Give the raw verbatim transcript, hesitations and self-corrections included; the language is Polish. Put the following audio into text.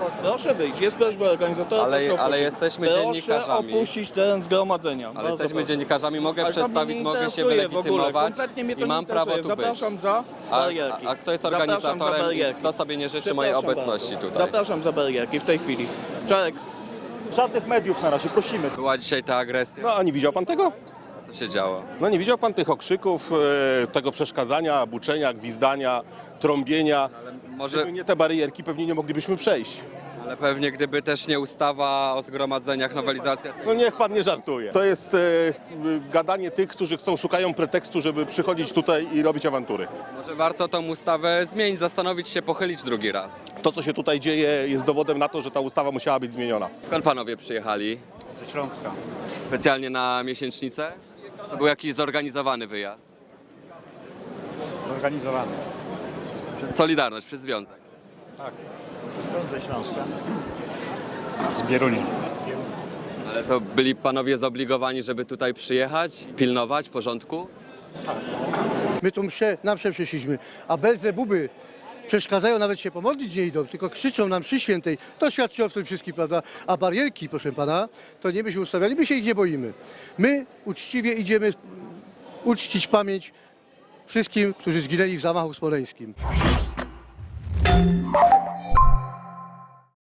Proszę wyjść, jest prośba organizatora. Ale- proszę ale opuścić. jesteśmy Proszę dziennikarzami. opuścić teren zgromadzenia. Ale Bardzo jesteśmy proszę. dziennikarzami, mogę Ale to mnie przedstawić, nie mogę się interesuje w ogóle. wylegitymować Kompletnie mnie to i nie mam prawo interesuje. tu być. Zapraszam za A, barierki. a, a kto jest Zapraszam za organizatorem i barierki. kto sobie nie życzy mojej Przepraszam obecności bardzo. tutaj? Zapraszam za barierki w tej chwili. Czarek, Żadnych mediów na razie, prosimy. Była dzisiaj ta agresja? No a nie widział pan tego? Co się działo? No nie widział pan tych okrzyków, e, tego przeszkadzania, buczenia, gwizdania, trąbienia. Może, Gdyby nie te barierki, pewnie nie moglibyśmy przejść. ale pewnie gdyby też nie ustawa o zgromadzeniach, nowelizacja... No niech pan nie żartuje. To jest e, gadanie tych, którzy chcą, szukają pretekstu, żeby przychodzić tutaj i robić awantury. Może warto tą ustawę zmienić, zastanowić się, pochylić drugi raz. To, co się tutaj dzieje, jest dowodem na to, że ta ustawa musiała być zmieniona. Skąd panowie przyjechali? Ze Śląska. Specjalnie na miesięcznicę? To był jakiś zorganizowany wyjazd? Zorganizowany. Przez Solidarność, przez Związek. Tak. Skąd ze Śląska? Z Bierunia. Ale to byli panowie zobligowani, żeby tutaj przyjechać, pilnować porządku? My tu mszę, na mszę przyszliśmy, a Belzebuby przeszkadzają, nawet się pomodlić nie idą, tylko krzyczą nam przy świętej. To świadczy o tym wszystkim, prawda? A barierki, proszę pana, to nie byśmy ustawiali, my się ich nie boimy. My uczciwie idziemy uczcić pamięć wszystkim, którzy zginęli w zamachu smoleńskim.